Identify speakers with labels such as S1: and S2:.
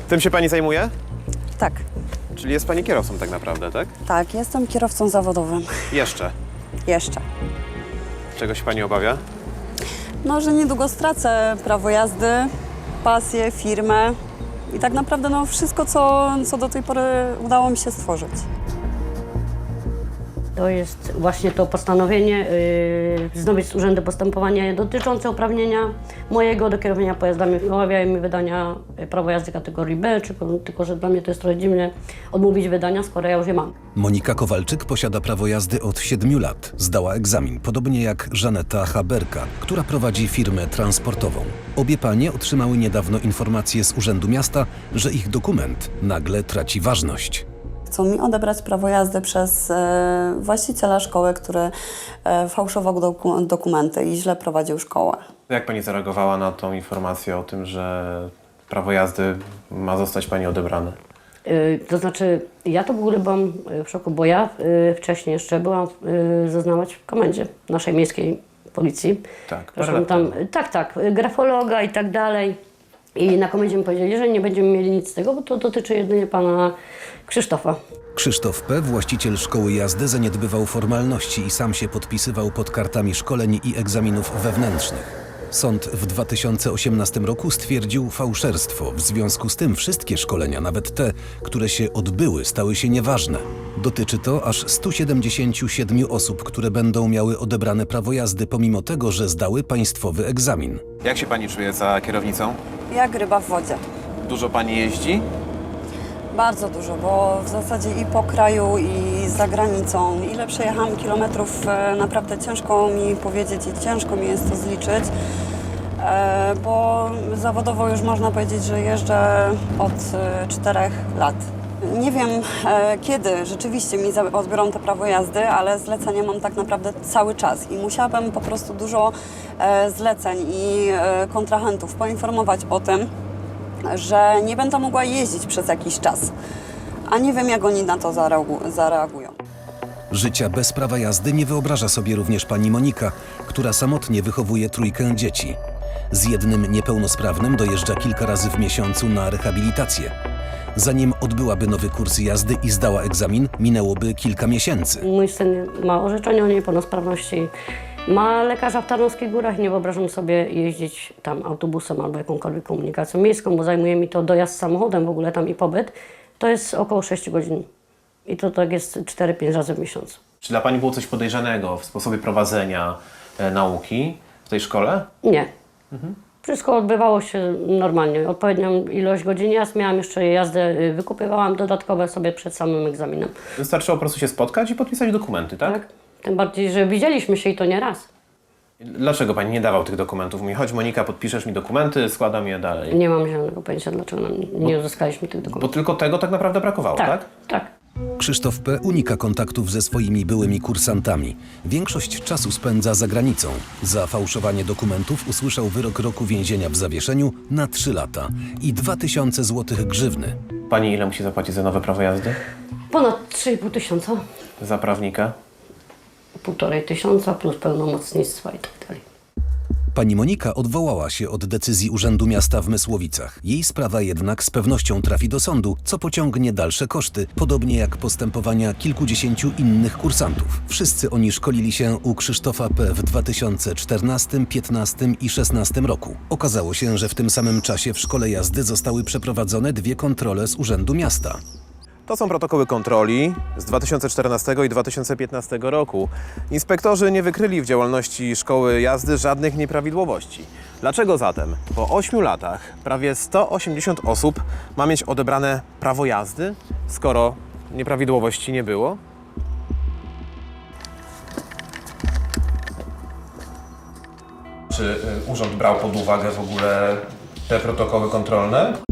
S1: Tym się pani zajmuje?
S2: Tak,
S1: Czyli jest pani kierowcą tak naprawdę, tak?
S2: tak, jestem kierowcą zawodowym.
S1: Jeszcze.
S2: Jeszcze.
S1: Czego się pani obawia?
S2: No, że niedługo stracę prawo jazdy, pasję, firmę i tak naprawdę no, wszystko, co do tej pory udało mi się stworzyć.
S3: To jest właśnie to postanowienie wznowić z Urzędu Postępowania dotyczące uprawnienia mojego do kierowania pojazdami. Umawiają mi wydania prawa jazdy kategorii B, tylko że dla mnie to jest trochę dziwne odmówić wydania, skoro ja już je mam.
S4: Monika Kowalczyk posiada prawo jazdy od 7 lat. Zdała egzamin, podobnie jak Żaneta Haberka, która prowadzi firmę transportową. Obie panie otrzymały niedawno informację z Urzędu Miasta, że ich dokument nagle traci ważność.
S2: Chcą mi odebrać prawo jazdy przez właściciela szkoły, który fałszował dokumenty i źle prowadził szkołę.
S1: Jak pani zareagowała na tą informację o tym, że prawo jazdy ma zostać pani odebrane?
S3: To znaczy, ja to w ogóle byłam w szoku, bo ja wcześniej jeszcze byłam zeznawać w komendzie naszej miejskiej policji.
S1: Tak,
S3: Proszę
S1: parę lat
S3: tam,
S1: temu.
S3: tak, grafologa i tak dalej. I na komendzie mi powiedzieli, że nie będziemy mieli nic z tego, bo to dotyczy jedynie pana Krzysztofa.
S4: Krzysztof P., właściciel szkoły jazdy, zaniedbywał formalności i sam się podpisywał pod kartami szkoleń i egzaminów wewnętrznych. Sąd w 2018 roku stwierdził fałszerstwo. W związku z tym wszystkie szkolenia, nawet te, które się odbyły, stały się nieważne. Dotyczy to aż 177 osób, które będą miały odebrane prawo jazdy, pomimo tego, że zdały państwowy egzamin.
S1: Jak się pani czuje za kierownicą?
S2: Jak ryba w wodzie.
S1: Dużo pani jeździ?
S2: Bardzo dużo, bo w zasadzie i po kraju, i za granicą. Ile przejechałam kilometrów, naprawdę ciężko mi powiedzieć i ciężko mi jest to zliczyć, bo zawodowo już można powiedzieć, że jeżdżę od 4 lat. Nie wiem, kiedy rzeczywiście mi odbiorą to prawo jazdy, ale zlecenia mam tak naprawdę cały czas i musiałabym po prostu dużo zleceń i kontrahentów poinformować o tym, że nie będę mogła jeździć przez jakiś czas, a nie wiem, jak oni na to zareagują.
S4: Życia bez prawa jazdy nie wyobraża sobie również pani Monika, która samotnie wychowuje 3 dzieci. Z jednym niepełnosprawnym dojeżdża kilka razy w miesiącu na rehabilitację. Zanim odbyłaby nowy kurs jazdy i zdała egzamin, minęłoby kilka miesięcy.
S3: Mój syn ma orzeczenie o niepełnosprawności, ma lekarza w Tarnowskich Górach. Nie wyobrażam sobie jeździć tam autobusem albo jakąkolwiek komunikacją miejską, bo zajmuje mi to dojazd samochodem w ogóle tam i pobyt. To jest około 6 godzin i to tak jest 4-5 razy w miesiącu.
S1: Czy dla pani było coś podejrzanego w sposobie prowadzenia nauki w tej szkole?
S3: Nie. Wszystko odbywało się normalnie. Odpowiednią ilość godzin jazd miałam, jeszcze jazdę wykupywałam dodatkowe sobie przed samym egzaminem.
S1: Wystarczyło po prostu się spotkać i podpisać dokumenty, tak?
S3: Tak? Tym bardziej, że widzieliśmy się i to nie raz.
S1: Dlaczego pani nie dawał tych dokumentów? Mówi, chodź Monika, podpiszesz mi dokumenty, składam je dalej.
S3: Nie mam zielonego pojęcia, dlaczego nie uzyskaliśmy tych
S1: Bo
S3: dokumentów.
S1: tylko tego tak naprawdę brakowało, tak?
S3: Tak.
S4: Krzysztof P. unika kontaktów ze swoimi byłymi kursantami. Większość czasu spędza za granicą. Za fałszowanie dokumentów usłyszał wyrok roku więzienia w zawieszeniu na 3 lata i 2000 zł grzywny.
S1: Pani ile musi zapłacić za nowe prawo jazdy?
S3: Ponad 3,5 tysiąca,
S1: Za prawnika?
S3: 1,5 tysiąca plus pełnomocnictwa i tak dalej.
S4: Pani Monika odwołała się od decyzji Urzędu Miasta w Mysłowicach. Jej sprawa jednak z pewnością trafi do sądu, co pociągnie dalsze koszty, podobnie jak postępowania kilkudziesięciu innych kursantów. Wszyscy oni szkolili się u Krzysztofa P. w 2014, 2015 i 2016 roku. Okazało się, że w tym samym czasie w szkole jazdy zostały przeprowadzone 2 kontrole z Urzędu Miasta.
S1: To są protokoły kontroli z 2014 i 2015 roku. Inspektorzy nie wykryli w działalności szkoły jazdy żadnych nieprawidłowości. Dlaczego zatem po 8 latach prawie 180 osób ma mieć odebrane prawo jazdy, skoro nieprawidłowości nie było? Czy urząd brał pod uwagę w ogóle te protokoły kontrolne?